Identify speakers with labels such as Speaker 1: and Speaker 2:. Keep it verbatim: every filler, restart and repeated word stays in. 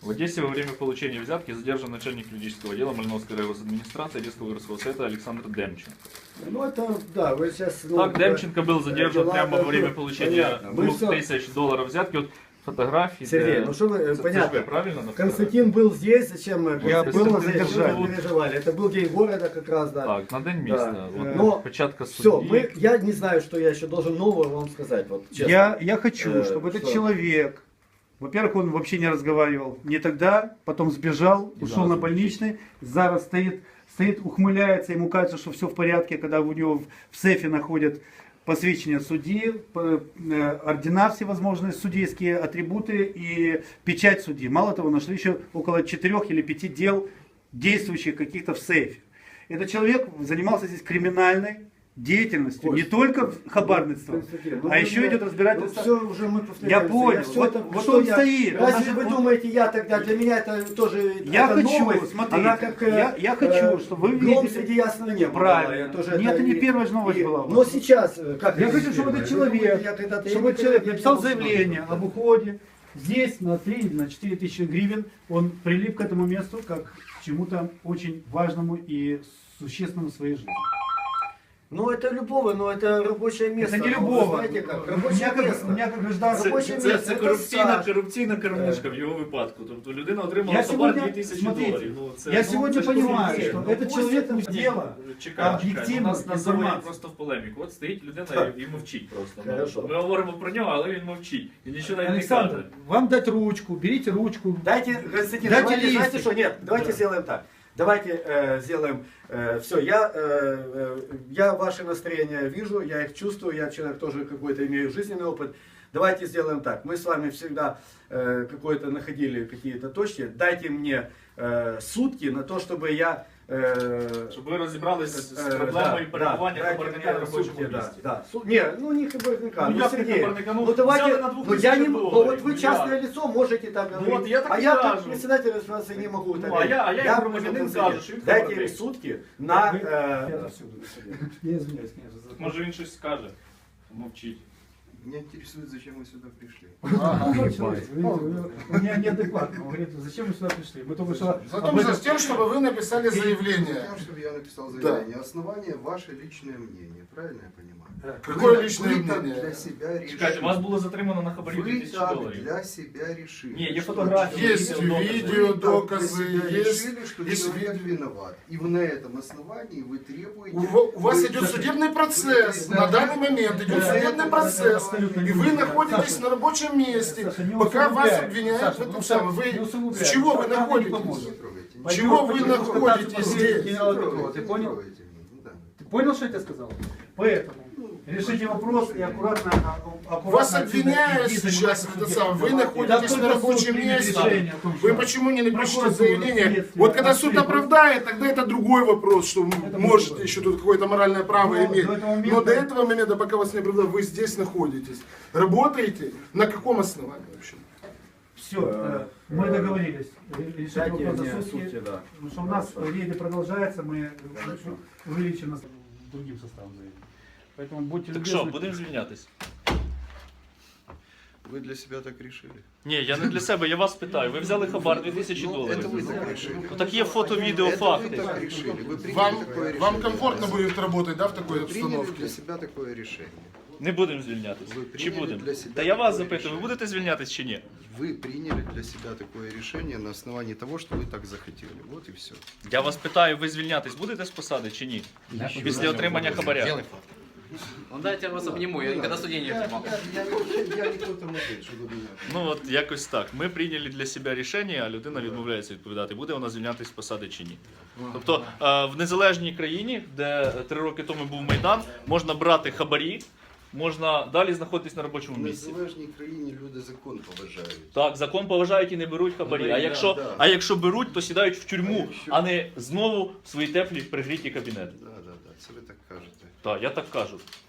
Speaker 1: В Одессе во время получения взятки задержан начальник юридического отдела Мальновской райгосадминистрации Одесского городского совета Александр Демченко.
Speaker 2: Ну это, да, вы сейчас... Ну,
Speaker 1: Так, Демченко был задержан
Speaker 2: дела,
Speaker 1: прямо во время
Speaker 2: ну,
Speaker 1: получения
Speaker 2: понятно. Мы
Speaker 1: двух
Speaker 2: всё-
Speaker 1: тысяч долларов взятки. Вот фотографии.
Speaker 2: Сергей,
Speaker 1: де-
Speaker 2: ну что вы,
Speaker 1: Це- це ж
Speaker 2: понятно.
Speaker 1: ви, правильно? на
Speaker 2: Константин был здесь, зачем мы?
Speaker 3: Я
Speaker 2: Константин
Speaker 3: был
Speaker 2: здесь,
Speaker 3: задержан.
Speaker 2: вы не переживали. Это был день города как раз, да.
Speaker 1: Так, на день міста.
Speaker 2: Да.
Speaker 1: От,
Speaker 2: Е, но
Speaker 1: печатка
Speaker 2: Все,
Speaker 1: судді.
Speaker 2: мы, я не знаю, что я еще должен нового вам сказать. Вот, честно.
Speaker 3: Я, я хочу,
Speaker 2: Э,
Speaker 3: чтобы этот
Speaker 2: что?
Speaker 3: человек, во-первых, он вообще не разговаривал не тогда, потом сбежал,
Speaker 1: И
Speaker 3: ушел
Speaker 1: зараз
Speaker 3: на
Speaker 1: не
Speaker 3: больничный, зараз стоит, стоит, ухмыляется, ему кажется, что все в порядке, когда у него в- в сейфе находят посвящение судьи, п- э, ордена всевозможные, судейские атрибуты и печать судьи. Мало того, нашли еще около четырех или пяти дел, действующих каких-то в сейфе. Этот человек занимался здесь криминальной деятельностью,
Speaker 2: Кость,
Speaker 3: не только хабарництвом,
Speaker 2: Константин, ну
Speaker 3: а
Speaker 2: вы
Speaker 3: еще
Speaker 2: меня-
Speaker 3: идет разбирательство.
Speaker 2: Ну, все уже мы повторяемся.
Speaker 3: Я понял.
Speaker 2: всё
Speaker 3: Вот-
Speaker 2: это-
Speaker 3: вот
Speaker 2: что
Speaker 3: он
Speaker 2: я-
Speaker 3: стоит, он
Speaker 2: Разве
Speaker 3: даже-
Speaker 2: вы
Speaker 3: он-
Speaker 2: думаете, я тогда, для меня это тоже
Speaker 3: Я
Speaker 2: это
Speaker 3: хочу,
Speaker 2: новость,
Speaker 3: смотрите,
Speaker 2: она как, э,
Speaker 3: я- я хочу,
Speaker 2: э,
Speaker 3: чтобы вы
Speaker 2: гром
Speaker 3: видели-
Speaker 2: среди ясного неба.
Speaker 3: Правильно.
Speaker 2: была, я тоже
Speaker 3: Нет, это не первая же новость
Speaker 2: и-
Speaker 3: была у вас.
Speaker 2: Но сейчас, э, как
Speaker 3: Я
Speaker 2: это
Speaker 3: хочу,
Speaker 2: не
Speaker 3: чтобы
Speaker 2: первая?
Speaker 3: этот
Speaker 2: Вы думаете,
Speaker 3: человек,
Speaker 2: я когда-то-
Speaker 3: чтобы
Speaker 2: я
Speaker 3: этот человек
Speaker 2: никогда не
Speaker 3: написал
Speaker 2: был
Speaker 3: заявление
Speaker 2: сюда.
Speaker 3: об уходе. Здесь на три, на четыре тысячи гривен он прилип к этому месту как к чему-то очень важному и существенному в своей жизни.
Speaker 2: Ну это любого, но это рабочее место.
Speaker 3: Это не
Speaker 2: Вы
Speaker 3: любого.
Speaker 2: Знаете как?
Speaker 3: У
Speaker 2: Рабочее
Speaker 3: меня как,
Speaker 2: место.
Speaker 3: у меня как гражданин.
Speaker 1: Це,
Speaker 2: робоче
Speaker 1: це,
Speaker 2: місце,
Speaker 1: це
Speaker 2: це
Speaker 1: корупційна,
Speaker 2: стаж.
Speaker 1: корупційна кормушка в його випадку. Тобто людина отримала
Speaker 3: Я
Speaker 1: хабар
Speaker 3: сегодня,
Speaker 1: дві тисячі
Speaker 3: смотрите,
Speaker 1: доларів. Ну, це,
Speaker 3: я
Speaker 1: ну,
Speaker 3: сегодня
Speaker 1: це ж
Speaker 3: понимаю,
Speaker 1: корупція.
Speaker 3: что
Speaker 1: Ну,
Speaker 3: этот
Speaker 1: ось
Speaker 3: человек
Speaker 1: це-
Speaker 3: не
Speaker 1: Ні,
Speaker 3: дело
Speaker 1: Чекай, чекай.
Speaker 3: об'єктивну
Speaker 1: Ну, Нас, нас заводять
Speaker 3: інформацію.
Speaker 1: просто в полеміку. От стоїть людина і, і мовчить просто. Ну,
Speaker 2: Хорошо.
Speaker 1: Ми говоримо про нього, але він мовчить. І нічого навіть не
Speaker 3: Александр,
Speaker 1: каже.
Speaker 3: вам дать ручку, берите ручку.
Speaker 2: Дайте, Константин,
Speaker 3: Дайте
Speaker 2: давайте,
Speaker 3: листик.
Speaker 2: знаете что, нет, давайте
Speaker 3: Да.
Speaker 2: сделаем так. Давайте э, сделаем, все, я, э, э, я ваши настроения вижу, я их чувствую, я человек тоже какой-то имею жизненный опыт. Давайте сделаем так, мы с вами всегда э, какое-то находили какие-то точки, дайте мне э, сутки на то, чтобы я... Э,
Speaker 1: Щоб ви розібралися з
Speaker 2: э,
Speaker 1: проблемою
Speaker 2: да,
Speaker 1: перебування
Speaker 2: да,
Speaker 1: хабарника
Speaker 2: дайте
Speaker 1: на
Speaker 2: мне
Speaker 1: робочому
Speaker 2: сутки, да,
Speaker 1: місці.
Speaker 2: да. Су- Не, ну не хабарника,
Speaker 1: Ну,
Speaker 2: ну,
Speaker 1: як не
Speaker 2: Сергей,
Speaker 1: хабарника? Ну,
Speaker 2: ну давайте,
Speaker 1: взяли на двух
Speaker 2: ну, я не,
Speaker 1: тысячах
Speaker 2: ну
Speaker 1: долларов,
Speaker 2: вот вы
Speaker 1: ну,
Speaker 2: частное
Speaker 1: як?
Speaker 2: лицо можете так
Speaker 1: Ну,
Speaker 2: говорить,
Speaker 1: вот я так
Speaker 2: а
Speaker 1: и
Speaker 2: я
Speaker 1: скажу.
Speaker 2: как председатель администрации не могу так
Speaker 1: Ну, а я- а я, як
Speaker 2: могу
Speaker 1: громадянин,
Speaker 2: сказать,
Speaker 1: скажу, що він
Speaker 2: дайте
Speaker 1: хабарник.
Speaker 2: им сутки на...
Speaker 3: Вы-
Speaker 2: э,
Speaker 3: Я отсюда. Я извиняюсь, конечно. за-
Speaker 1: Може він щось скаже. Мовчить.
Speaker 4: Меня интересует, зачем вы сюда пришли.
Speaker 3: У меня неадекватно. Он говорит, зачем вы сюда пришли? Мы только что...
Speaker 5: Затем
Speaker 3: об этом-
Speaker 5: за тем, чтобы вы написали заявление.
Speaker 4: Затем, чтобы я написал заявление. Основание ваше личное мнение. Правильно я понимаю?
Speaker 5: Какое
Speaker 4: Вы-
Speaker 5: личное
Speaker 4: вы так
Speaker 5: мнение?
Speaker 4: для себя
Speaker 1: Чекайте,
Speaker 4: решили.
Speaker 1: вас було затримано на хабарі дві
Speaker 4: Вы
Speaker 1: тисячі
Speaker 4: так
Speaker 1: доларів.
Speaker 4: для себя решили.
Speaker 1: Не, є
Speaker 4: что
Speaker 1: фотографії,
Speaker 4: человек-
Speaker 5: Есть
Speaker 1: докази.
Speaker 5: видео,
Speaker 4: Вы так для
Speaker 5: доказы,
Speaker 4: себя
Speaker 5: есть,
Speaker 4: решили, что
Speaker 5: есть
Speaker 4: человек
Speaker 5: видео.
Speaker 4: виноват. И вы на этом основании вы требуете...
Speaker 5: У, во- у вас
Speaker 4: вы-
Speaker 5: идет судебный процесс.
Speaker 4: вы-
Speaker 5: На данный момент идет
Speaker 3: Да,
Speaker 5: судебный
Speaker 3: это
Speaker 5: процесс.
Speaker 3: абсолютно
Speaker 5: И
Speaker 3: не
Speaker 5: вы
Speaker 3: верно.
Speaker 5: находитесь
Speaker 3: Саша,
Speaker 5: на рабочем месте.
Speaker 3: Саша, не
Speaker 5: Пока вас
Speaker 3: усугубляй.
Speaker 5: обвиняют
Speaker 3: Саша,
Speaker 5: в
Speaker 3: потому
Speaker 5: этом
Speaker 3: что
Speaker 5: самом.
Speaker 3: не
Speaker 5: Вы
Speaker 3: усугубляй.
Speaker 5: с чего вы
Speaker 3: Саша, нам не
Speaker 5: находитесь?
Speaker 3: поможет.
Speaker 4: Не трогайте меня.
Speaker 5: Чего вы
Speaker 3: Пойдем,
Speaker 5: находитесь
Speaker 3: пойдем,
Speaker 5: здесь?
Speaker 3: генерал
Speaker 4: Не
Speaker 3: Петрова,
Speaker 4: трогайте,
Speaker 3: ты
Speaker 4: не
Speaker 3: понял?
Speaker 4: трогайте меня. Да.
Speaker 3: Ты понял, что я тебе сказал? Поэтому решите вопрос и аккуратно, а- аккуратно
Speaker 5: Вас
Speaker 3: отсюда
Speaker 5: обвиняют
Speaker 3: идти
Speaker 5: сейчас,
Speaker 3: заниматься
Speaker 5: это
Speaker 3: судебным
Speaker 5: самое, вы
Speaker 3: делом.
Speaker 5: находитесь
Speaker 3: Да
Speaker 5: на
Speaker 3: только
Speaker 5: рабочем
Speaker 3: суд примет
Speaker 5: месте.
Speaker 3: решение о том,
Speaker 5: Вы
Speaker 3: что
Speaker 5: почему не напишите
Speaker 3: прокуратура,
Speaker 5: заявление?
Speaker 3: следствие,
Speaker 5: Вот когда суд
Speaker 3: открыть.
Speaker 5: оправдает, тогда это другой вопрос, что
Speaker 3: Это
Speaker 5: может
Speaker 3: другой.
Speaker 5: еще тут какое-то моральное право
Speaker 3: Но
Speaker 5: иметь.
Speaker 3: до этого момента-
Speaker 5: Но до этого момента, пока вас не оправдают, вы здесь находитесь. Работаете? На каком основании вообще?
Speaker 3: Все, э, мы договорились. Ре- Решите
Speaker 2: Дайте
Speaker 3: вопрос
Speaker 2: мне
Speaker 3: за сутки.
Speaker 2: сутки, да.
Speaker 3: Потому что у нас
Speaker 2: Хорошо.
Speaker 3: рейды продолжается, мы
Speaker 2: Хорошо.
Speaker 3: увеличим нас другим составом заявления. Поэтому будьте
Speaker 1: Так що,
Speaker 3: любезны.
Speaker 1: будемо звільнятись?
Speaker 4: Вы для себя так решили?
Speaker 1: Ні, я не для себе, я вас питаю. Ви взяли хабар дві тисячі
Speaker 4: Ну,
Speaker 1: доларів.
Speaker 4: это вы так решили.
Speaker 1: Ну, так є фото, відео,
Speaker 4: Это вы
Speaker 1: факти.
Speaker 4: так решили. Вы приняли
Speaker 5: Вам,
Speaker 4: такое решение.
Speaker 5: вам комфортно будет работать, да, в такой
Speaker 4: Вы приняли
Speaker 5: обстановке?
Speaker 4: для себя такое решение.
Speaker 1: Не будемо звільнятись.
Speaker 4: Ви
Speaker 1: Чи
Speaker 4: прийняли
Speaker 1: будемо?
Speaker 4: для себе
Speaker 1: Та я вас
Speaker 4: таке
Speaker 1: запитую, ви
Speaker 4: рішення?
Speaker 1: будете звільнятись чи ні?
Speaker 4: Вы приняли для себя такое решение на основании того, что вы так захотели. Вот и все.
Speaker 1: Я вас питаю, ви звільнятись будете з посади чи ні? Після отримання хабаря.
Speaker 6: Ну дайте я вас обниму, я никогда судей не обнимал.
Speaker 4: Я, я, я не кто-то мудень, чтобы меня...
Speaker 1: Ну от якось так. Ми прийняли для себе рішення, а людина відмовляється відповідати, буде вона звільнятись з посади чи ні. Тобто е, в незалежній країні, де три роки тому був Майдан, можна брати хабарі, можна далі знаходитись на робочому
Speaker 4: В
Speaker 1: місці.
Speaker 4: незалежній країні люди закон поважають.
Speaker 1: Так, закон поважають і не беруть хабарі. А якщо,
Speaker 4: да.
Speaker 1: а якщо беруть, то сідають в тюрму,
Speaker 4: А якщо-
Speaker 1: а не знову в свої теплі пригріті кабінети.
Speaker 4: Да, да, да, це ви так кажете.
Speaker 1: Так, я так кажу.